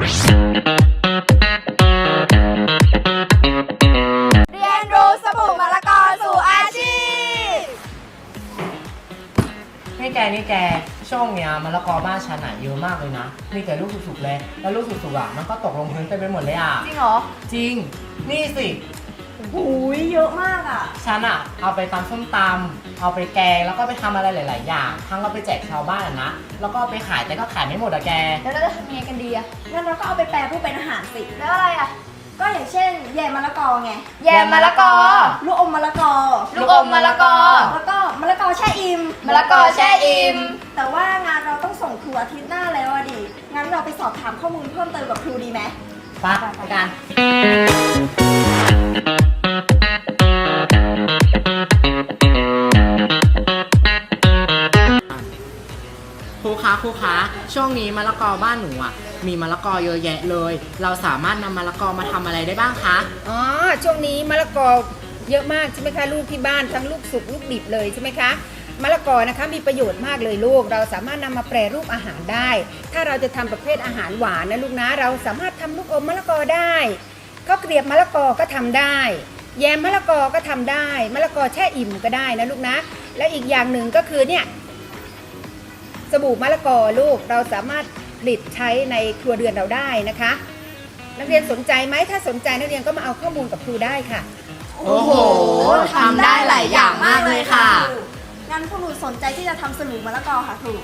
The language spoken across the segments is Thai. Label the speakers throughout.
Speaker 1: เรียนรู้สบู่มะละกอสู่อาชีพ
Speaker 2: นี่แกช่วงเนี้ยมะละกอบ้านฉันอะเยอะมากเลยนะมีแต่ลูกสุกๆเลยแล้วลูกสุกๆอะมันก็ตกลงพื้นเต็มไปหมดเลยอะ
Speaker 1: จริงเหรอ
Speaker 2: จริงนี่สิ
Speaker 1: หูยเยอะมากอ่ะ
Speaker 2: ฉันอะเอาไปตำส้มตำเอาไปแกงแล้วก็ไปทำอะไรหลายๆอย่างทั้งเอาไปแจกชาวบ้านอะนะแล้วก็เอาไปขายแต่ก็ขายไม่หมดอะแก
Speaker 1: แล้วเราจะทำยังไงกันดีอะงั้นเราก็เอาไปแปรรูปเป็นอาหารสิแล้วอะไรอะก็อย่างเช่นแยมมะละกอไง
Speaker 2: แยมมะละกอ
Speaker 1: ลูกอมมะละกอ
Speaker 2: ลูกอมมะละกอ
Speaker 1: แล้วก็มะละกอแช่อิ่ม
Speaker 2: มะละกอแช่อิ่ม
Speaker 1: แต่ว่างานเราต้องส่งครูอาทิตย์หน้าแล้วอะดิงั้นเราไปสอบถามข้อมูลเพิ่มเติมกับครูดีไหม
Speaker 2: ไปกันครูคะช่วงนี้มะละกอบ้านหนูอ่ะมีมะละกอเยอะแยะเลยเราสามารถนำมะละกอมาทำอะไรได้บ้างคะ
Speaker 3: อ๋อช่วงนี้มะละกอเยอะมากใช่ไหมคะลูกที่บ้านทั้งลูกสุกลูกดิบเลยใช่ไหมคะมะละกอนะคะมีประโยชน์มากเลยลูกเราสามารถนำมาแปรรูปอาหารได้ถ้าเราจะทำประเภทอาหารหวานนะลูกนะเราสามารถทำลูกอมมะละกอได้ข้าวเกรียบมะละกอก็ทำได้แยมมะละกอก็ทำได้มะละกอแช่อิ่มก็ได้นะลูกนะและอีกอย่างหนึ่งก็คือเนี่ยสบู่มะละกอลูกเราสามารถผลิตใช้ในครัวเรือนเราได้นะคะนักเรียนสนใจไหมถ้าสนใจนักเรียนก็มาเอาข้อมูลกับครูได้ค่ะ
Speaker 2: โอ้โหทำได้หลายอย่างมากเลยค่ะ
Speaker 1: งั้นพวกหนูสนใจที่จะทำสบู่มะละกอค่ะครู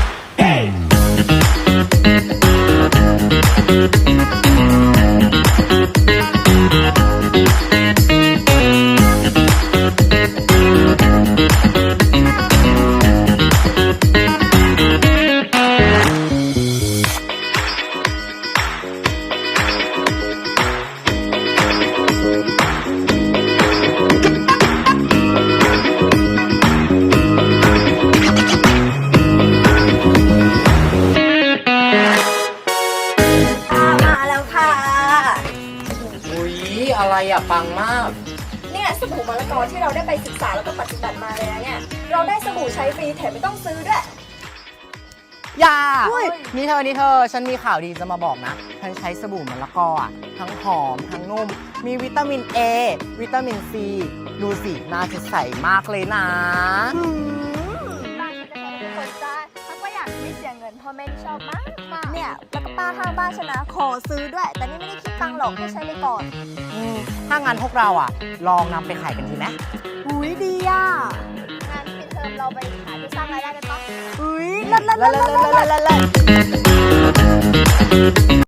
Speaker 2: อะไรอะปังมาก
Speaker 1: เนี่ยสบู่มะละกอที่เราได้ไปศึกษาแล้วก็ปฏิบัติมาเลยนะเนี่ยเราได้สบู่ใช้ฟรีแถมไม่ต้องซื้อด้วย
Speaker 2: อย่านี่เธอฉันมีข่าวดีจะมาบอกนะฉันใช้สบู่มะละกออะทั้งหอมทั้งนุ่มมีวิตามิน A วิตามิน C ดูสิหน้าจะใสมากเลยนะ
Speaker 1: บ้านฉันจะใช้ทุกคนจ้าถ้าก็อยากไม่เสียเงินพ่อแม่ที่ชอบมากเนี่ยแล้วก็ป้าข้างบ้านฉันนะขอซื้อด้วยแต่นี่ไม่ได้คิดตังค์หรอกให้ใช้ไปก่อน
Speaker 2: ถ้างั้นพวกเราอ่ะลองนำไปขายกันดีไหม
Speaker 1: อุ้ยดีอ่ะงั้นปิดเทอมเราไปขายเพื่อสร้างรายได้กันปะอุ้ย
Speaker 2: เลิศ